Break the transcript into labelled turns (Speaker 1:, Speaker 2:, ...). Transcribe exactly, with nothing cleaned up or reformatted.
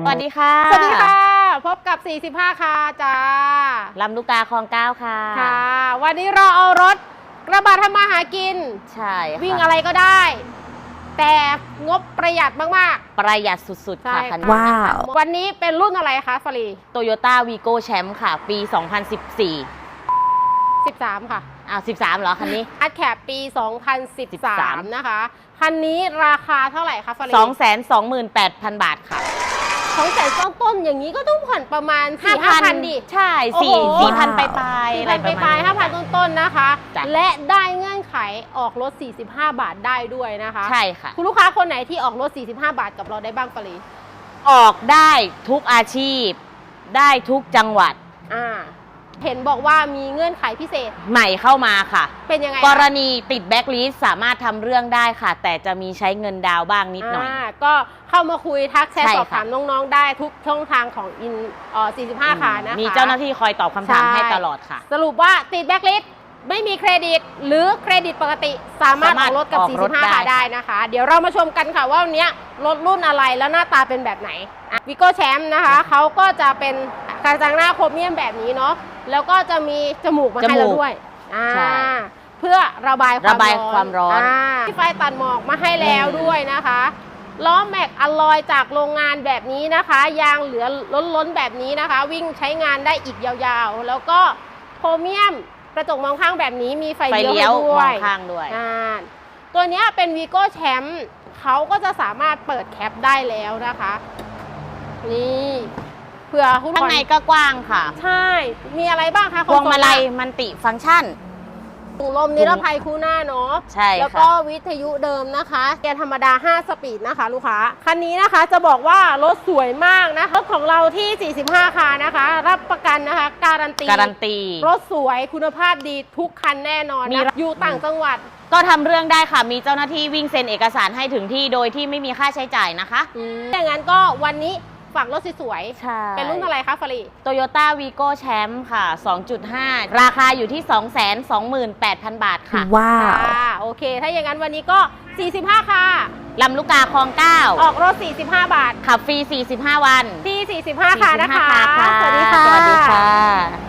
Speaker 1: สวัสดีค่ะ
Speaker 2: สวัสดีค่ะพบกับสี่สิบห้าค่ะจ้า
Speaker 1: ลำลูกกาคลองเก้าค่ะ
Speaker 2: ค่ะวันนี้เราเอารถกระบะทำมาหากิน
Speaker 1: ใช่
Speaker 2: วิ่งอะไรก็ได้แต่งบประหยัดมาก
Speaker 1: ๆประหยัดสุดๆค่ะคันนี้
Speaker 2: ว้าววันนี้เป็นรุ่นอะไรคะฟารี
Speaker 1: Toyota Vigo Champ ค่ะปี สองพันสิบสี่
Speaker 2: สิบสามค่ะ
Speaker 1: อ้าวสิบสามเหรอคันนี้
Speaker 2: อัดแคปปี สองพันสิบสาม นะคะคันนี้ราคาเท่าไหร่คะฟารี
Speaker 1: สองแสนสองหมื่นแปดพัน บาทค่ะ
Speaker 2: สองแสนต้นๆอย่างนี้ก็ต้องผ่อนประมาณ สี่ห้าพัน ดิ
Speaker 1: ใช่สี่ สี่พันปลายๆอะไรประมาณ
Speaker 2: ห้าพันต้นๆนะคะและได้เงื่อนไขออกรถสี่สิบห้าบาทได้ด้วยนะคะ
Speaker 1: ใช่ค่ะ
Speaker 2: คุณลูกค้าคนไหนที่ออกรถสี่สิบห้าบาทกับเราได้บ้างฟารี
Speaker 1: ออกได้ทุกอาชีพได้ทุกจังหวัด
Speaker 2: อ่าเห็นบอกว่ามีเงื่อนไขพิเศษ
Speaker 1: ใหม่เข้ามาค่ะ
Speaker 2: เป็นยังไง
Speaker 1: กรณีติดแบ็คลิสต์สามารถทำเรื่องได้ค่ะแต่จะมีใช้เงินดาวบ้างนิดหน่อย
Speaker 2: ก็เข้ามาคุยทักแชทสอบถามน้องๆได้ทุกช่องทางของอินเอ่อสี่สิบห้าค่ะนะคะ
Speaker 1: มีเจ้าหน้าที่คอยตอบคำถามให้ตลอดค่ะ
Speaker 2: สรุปว่าติดแบ็คลิสต์ไม่มีเครดิตหรือเครดิตปกติสามารถออกรถกับสี่สิบห้าค่ะได้นะคะเดี๋ยวเรามาชมกันค่ะว่าวันนี้รถรุ่นอะไรแล้วหน้าตาเป็นแบบไหนวิโก้แชมป์นะคะเขาก็จะเป็นกระจังหน้าโครเมียมแบบนี้เนาะแล้วก็จะมีจมูกมาให้เราด้วยเพื่อระบาย
Speaker 1: ระบายความร้อน
Speaker 2: มีไฟตัดหมอกมาให้แล้วด้วยนะคะล้อแม็กอลลอยจากโรงงานแบบนี้นะคะยางเหลือล้นๆแบบนี้นะคะวิ่งใช้งานได้อีกยาวๆแล้วก็โครเมียมกระจกมองข้างแบบนี้มีไฟเลี้ยว
Speaker 1: มองข้างด้วย
Speaker 2: ตัวนี้เป็นวีโก้แชมป์เขาก็จะสามารถเปิดแคปได้แล้วนะคะนี่เผื่อคุณ
Speaker 1: ข้างในก็กว้างค่ะ
Speaker 2: ใช่มีอะไรบ้างคะ
Speaker 1: พวงมาลัยมันติฟังก์ชัน
Speaker 2: ถุงลมนิรภัยคู่หน้าเนาะ
Speaker 1: ใช่
Speaker 2: แล้วก็วิทยุเดิมนะคะเกียร์ธรรมดาห้าสปีดนะคะลูกค้าคันนี้นะคะจะบอกว่ารถสวยมากนะรถของเราที่สี่สิบห้าค่ะนะคะรับประกันนะคะการันตี
Speaker 1: การันตี
Speaker 2: รถสวยคุณภาพดีทุกคันแน่นอนนะอยู่ต่างจังหวัด
Speaker 1: ก็ทำเรื่องได้ค่ะมีเจ้าหน้าที่วิ่งเซ็นเอกสารให้ถึงที่โดยที่ไม่มีค่าใช้จ่ายนะคะ
Speaker 2: อย่างนั้นก็วันนี้ฝากรถสวยๆเป็นรุ่นอะไรคะฟารี
Speaker 1: Toyota Vigo Champ ค่ะ สองจุดห้า ราคาอยู่ที่ สองแสนสองหมื่นแปดพัน บาทค่ะ
Speaker 2: ว้าวโอเคถ้าอย่างนั้นวันนี้ก็สี่สิบห้าค่ะ
Speaker 1: ลำลูกกาคลองเก้า
Speaker 2: ออกรถสี่สิบห้าบาท
Speaker 1: ขับฟรีสี่สิบห้าวัน
Speaker 2: ที่สี่สิบห้าค่ะนะคะ
Speaker 1: สวัสดีค่ะ
Speaker 2: สวัสดีค่ะ